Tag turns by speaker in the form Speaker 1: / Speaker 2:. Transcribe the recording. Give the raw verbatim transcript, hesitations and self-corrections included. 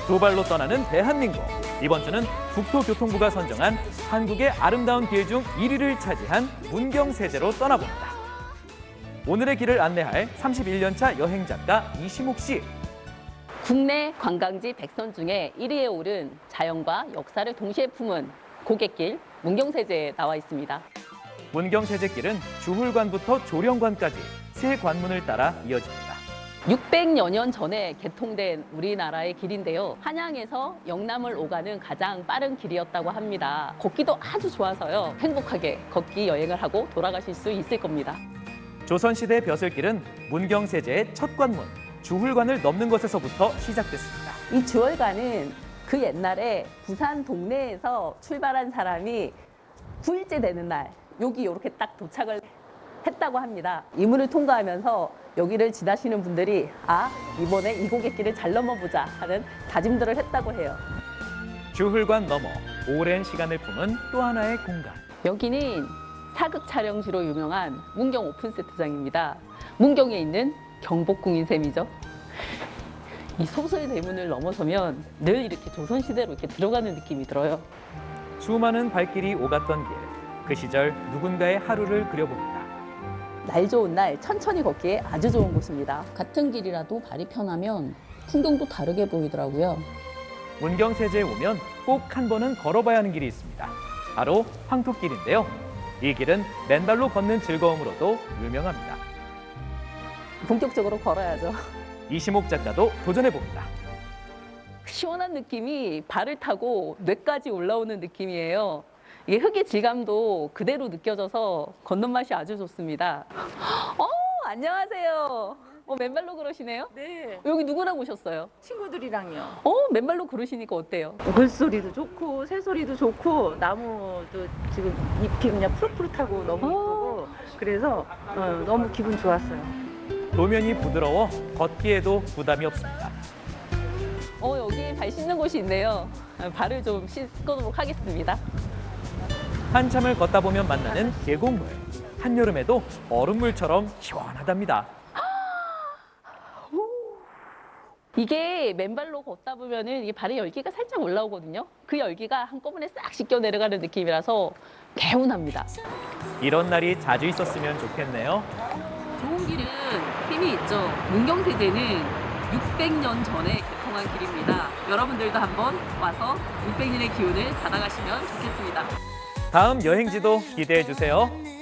Speaker 1: 두 발로 떠나는 대한민국. 이번 주는 국토교통부가 선정한 한국의 아름다운 길 중 일 위를 차지한 문경세제로 떠나봅니다. 오늘의 길을 안내할 삼십일 년 차 여행작가 이시목 씨.
Speaker 2: 국내 관광지 백 선 중에 일 위에 오른 자연과 역사를 동시에 품은 고갯길 문경세제에 나와 있습니다.
Speaker 1: 문경세제길은 주훌관부터 조령관까지 세 관문을 따라 이어집니다.
Speaker 2: 육백여 년 전에 개통된 우리나라의 길인데요. 한양에서 영남을 오가는 가장 빠른 길이었다고 합니다. 걷기도 아주 좋아서요. 행복하게 걷기 여행을 하고 돌아가실 수 있을 겁니다.
Speaker 1: 조선시대 벼슬길은 문경세제의 첫 관문, 주훌관을 넘는 것에서부터 시작됐습니다.
Speaker 2: 이 주월관은 그 옛날에 부산 동네에서 출발한 사람이 구 일째 되는 날 여기 이렇게 딱 도착을 했다고 합니다. 이 문을 통과하면서 여기를 지나시는 분들이 아, 이번에 이 고갯길을 잘 넘어보자 하는 다짐들을 했다고 해요.
Speaker 1: 주훌관 너머 오랜 시간을 품은 또 하나의 공간.
Speaker 2: 여기는 사극 촬영지로 유명한 문경 오픈세트장입니다. 문경에 있는 경복궁인 셈이죠. 이 소설 대문을 넘어서면 늘 이렇게 조선시대로 이렇게 들어가는 느낌이 들어요.
Speaker 1: 수많은 발길이 오갔던 길. 그 시절 누군가의 하루를 그려봅니다.
Speaker 2: 날 좋은 날 천천히 걷기에 아주 좋은 곳입니다. 같은 길이라도 발이 편하면 풍경도 다르게 보이더라고요.
Speaker 1: 문경세제에 오면 꼭 한 번은 걸어봐야 하는 길이 있습니다. 바로 황토길인데요. 이 길은 맨발로 걷는 즐거움으로도 유명합니다.
Speaker 2: 본격적으로 걸어야죠.
Speaker 1: 이시목 작가도 도전해봅니다.
Speaker 2: 시원한 느낌이 발을 타고 뇌까지 올라오는 느낌이에요. 이게 흙의 질감도 그대로 느껴져서 걷는 맛이 아주 좋습니다. 어, 안녕하세요. 어, 맨발로 걸으시네요?
Speaker 3: 네,
Speaker 2: 여기 누구랑 오셨어요?
Speaker 3: 친구들이랑요.
Speaker 2: 어, 맨발로 걸으시니까 어때요?
Speaker 3: 물소리도 좋고 새소리도 좋고 나무도 지금 잎이 그냥 푸릇푸릇하고 너무 이쁘고 그래서 어, 너무 기분 좋았어요.
Speaker 1: 도면이 부드러워 걷기에도 부담이 없습니다.
Speaker 2: 어, 여기 발 씻는 곳이 있네요. 발을 좀 씻도록 하겠습니다.
Speaker 1: 한참을 걷다 보면 만나는 계곡물. 한여름에도 얼음물처럼 시원하답니다.
Speaker 2: 이게 맨발로 걷다 보면은 이게 발에 열기가 살짝 올라오거든요. 그 열기가 한꺼번에 싹 씻겨 내려가는 느낌이라서 개운합니다.
Speaker 1: 이런 날이 자주 있었으면 좋겠네요.
Speaker 2: 좋은 길은 힘이 있죠. 문경세제는 육백 년 전에 개통한 길입니다. 여러분들도 한번 와서 육백 년의 기운을 받아가시면 좋겠습니다.
Speaker 1: 다음 여행지도 기대해 주세요.